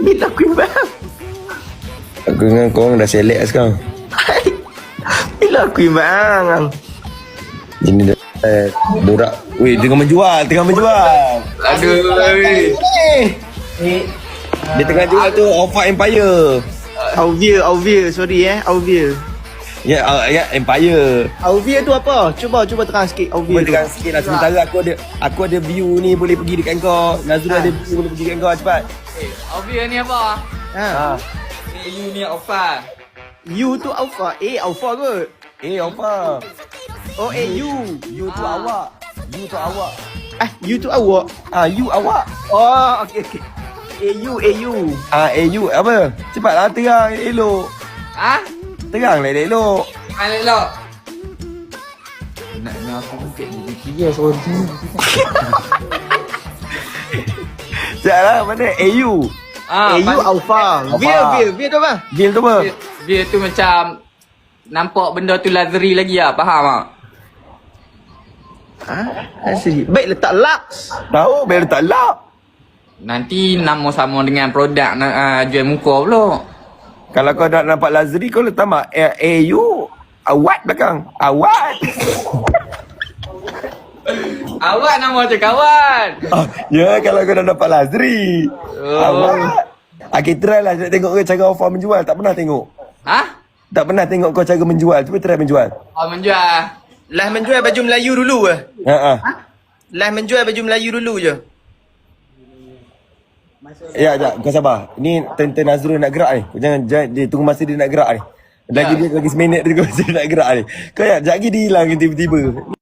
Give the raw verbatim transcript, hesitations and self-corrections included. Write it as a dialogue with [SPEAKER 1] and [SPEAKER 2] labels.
[SPEAKER 1] Bila aku bang.
[SPEAKER 2] Aku dengan korang dah selek lah sekarang.
[SPEAKER 1] Bila aku bang.
[SPEAKER 2] Ini dah eh, borak. Weh, tengah menjual, tengah menjual.
[SPEAKER 1] Aduh.
[SPEAKER 2] Eh. Dia tengah jual tu Alpha Empire.
[SPEAKER 1] Auvia, Auvia, sorry eh, Auvia.
[SPEAKER 2] Ya, uh, ya Empire.
[SPEAKER 1] Auvia tu apa? Cuba cuba terang sikit Auvia.
[SPEAKER 2] Boleh tekan sikit lah. Sementara aku ada aku ada view ni boleh pergi dekat kau. Nazrul
[SPEAKER 1] Ha.
[SPEAKER 2] ada view boleh pergi dekat kau cepat.
[SPEAKER 3] Eh, Alvia ni apa?
[SPEAKER 1] Ha.
[SPEAKER 2] Ha.
[SPEAKER 3] Ni you ni Alfa.
[SPEAKER 1] U tu Alpha, A Alpha ke?
[SPEAKER 2] Eh, Alpha.
[SPEAKER 1] Oh, A U.
[SPEAKER 2] You tu
[SPEAKER 3] Ah.
[SPEAKER 2] awak. You tu awak.
[SPEAKER 1] Eh, U tu awak.
[SPEAKER 2] Ah, you awak.
[SPEAKER 1] Oh, okey okey. A U, A U.
[SPEAKER 2] Ah, eh you apa? Cepatlah terang elok.
[SPEAKER 3] Ha?
[SPEAKER 2] Terang lah elok.
[SPEAKER 3] Mana lo? Nak nak aku mungkin ni dia sorry.
[SPEAKER 2] Sekejaplah, mana A U?
[SPEAKER 3] Ah,
[SPEAKER 1] A U Alpha.
[SPEAKER 2] Alpha.
[SPEAKER 1] Via, Via, Via tu apa?
[SPEAKER 2] Bil tu apa?
[SPEAKER 3] Dia, dia tu macam nampak benda tu lazeri lagi lah, faham tak?
[SPEAKER 1] Ha? Asli. Baik letak Lux.
[SPEAKER 2] Tahu, biar letak lock.
[SPEAKER 3] Nanti nama sama dengan produk nak uh, jual muka pula.
[SPEAKER 2] Kalau kau nak nampak Lazari, kau letak mak A, A U awat belakang. Awat.
[SPEAKER 3] Awak nama macam kawan.
[SPEAKER 2] Oh, ya, kalau kau nak nampak Lazari.
[SPEAKER 3] Oh.
[SPEAKER 2] Awat. Ah, kita try lah nak tengok kau cara Alpha menjual. Tak pernah tengok.
[SPEAKER 3] Ha?
[SPEAKER 2] Tak pernah tengok kau cara menjual. Cuba try menjual.
[SPEAKER 3] Oh menjual.
[SPEAKER 1] Lah menjual baju Melayu dulu ke?
[SPEAKER 2] Ha ah.
[SPEAKER 1] Lah menjual baju Melayu dulu je.
[SPEAKER 2] Ya, jap, kau sabar. Ni turn-turn Nazrul nak gerak ni. Kau jangan, jangan dia tunggu masa dia nak gerak ni. Lagi
[SPEAKER 3] Ya.
[SPEAKER 2] dia lagi seminit dia tunggu masa dia nak gerak ni. Kau ya, jap lagi dia hilang tiba-tiba.